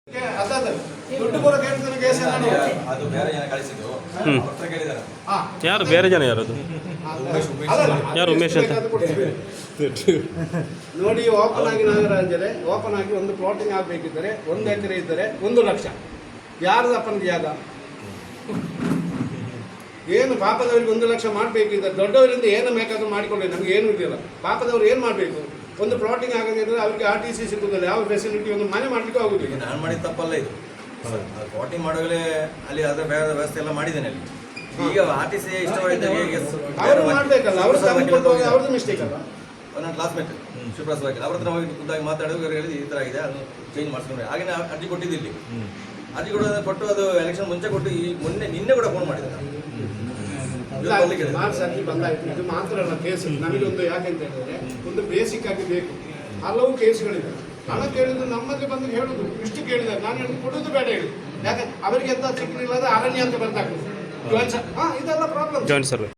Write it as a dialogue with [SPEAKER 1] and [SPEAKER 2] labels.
[SPEAKER 1] ಯಾರು ಬೇರೆ ಜನ ಯಾರದು ಯಾರು ಉಮೇಶ್ ಅಂತ
[SPEAKER 2] ನೋಡಿ. ಓಪನ್ ಆಗಿ ನಾಗರಾಜರೇ, ಓಪನ್ ಆಗಿ ಒಂದು ಪ್ಲಾಟಿಂಗ್ ಆಗಬೇಕಿದ್ದರೆ 1 ಎಕರೆ ಇದ್ದರೆ 1 ಲಕ್ಷ. ಯಾರ್ದು ಅಪ್ಪನಿಗೆ ಯಾದ ಏನು? ಪಾಪದವರಿಗೆ 1 ಲಕ್ಷ ಮಾಡಬೇಕಿದ್ದರೆ ದೊಡ್ಡವರಿಂದ ಏನು ಬೇಕಾದ್ರೂ ಮಾಡಿಕೊಳ್ಳಿ, ನಮ್ಗೆ ಏನು ಇದೆಯಲ್ಲ. ಪಾಪದವ್ರು ಏನು ಮಾಡಬೇಕು? ಒಂದು ಪ್ಲಾಟಿಂಗ್ ಆಗದಿದ್ರೆ ಅವರಿಗೆ RTC ಸಿಗುವುದಿಲ್ಲ, ಯಾವ ಫೆಸಿಲಿಟಿ ಒಂದು ಮನೆ ಮಾಡಲಿಕ್ಕೂ ಆಗುದಿಲ್ಲ.
[SPEAKER 3] ನಾನು ಮಾಡಿದ ತಪ್ಪಲ್ಲ ಇದು. ಪ್ಲಾಟಿಂಗ್ ಮಾಡುವಾಗಲೇ ಅಲ್ಲಿ ಅದರ ಬೇರೆ ವ್ಯವಸ್ಥೆ ಎಲ್ಲ ಮಾಡಿದ್ದೇನೆ ಅಲ್ಲಿ. ಈಗ RTC
[SPEAKER 2] ಅವರು ಮಾಡಬೇಕಲ್ಲ, ಅವ್ರದ್ದು ಮಿಸ್ಟೇಕ್ ಅಲ್ಲ.
[SPEAKER 3] ನನ್ನ ಕ್ಲಾಸ್ಮೇಟ್ ಶಿವಪ್ರಸಾದ್ ವಕೀಲ್ ಅವ್ರ ಹತ್ರ ಹೋಗಿ ಖುದ್ದಾಗಿ ಮಾತಾಡೋದು ಹೇಳಿದ್ದು ಈ ಥರ ಆಗಿದೆ, ಅದು ಚೇಂಜ್ ಮಾಡಿಸ್ಕೊಂಡ್ರೆ. ಹಾಗೆ ಅರ್ಜಿ ಕೊಟ್ಟಿದ್ದಿಲ್ಲಿ, ಅರ್ಜಿ ಕೊಟ್ಟು ಅದು ಎಲೆಕ್ಷನ್ ಮುಂಚೆ ಕೊಟ್ಟು ಈ ನಿನ್ನೆ ಕೂಡ ಫೋನ್ ಮಾಡಿದ್ದೆ ನಾನು.
[SPEAKER 2] ಮಾರ್ಚ್ ಬಂದಾಯ್ತು. ಇದು ಮಾತ್ರ ಅಲ್ಲ ಕೇಸ್, ನಮಗೊಂದು ಯಾಕೆಂತ ಹೇಳಿದ್ರೆ ಒಂದು ಬೇಸಿಕ್ ಆಗಿ ಬೇಕು. ಹಲವು ಕೇಸ್ಗಳಿದೆ. ಹಣ ಕೇಳಿದ್ರು ನಮ್ಮಲ್ಲಿ ಬಂದು ಹೇಳುದು, ಇಷ್ಟು ಕೇಳಿದ್ದಾರೆ, ನಾನು ಹೇಳಿ ಕೊಡುದು ಬೇಡ ಹೇಳಿ. ಯಾಕೆ ಅವರಿಗೆ ಎಂತ ಸಿಕ್ಕಲಿಲ್ಲ, ಅರಣ್ಯ ಅಂತ ಬರ್ತಾಗ್ತದೆ. ಇದೆಲ್ಲ ಪ್ರಾಬ್ಲಮ್.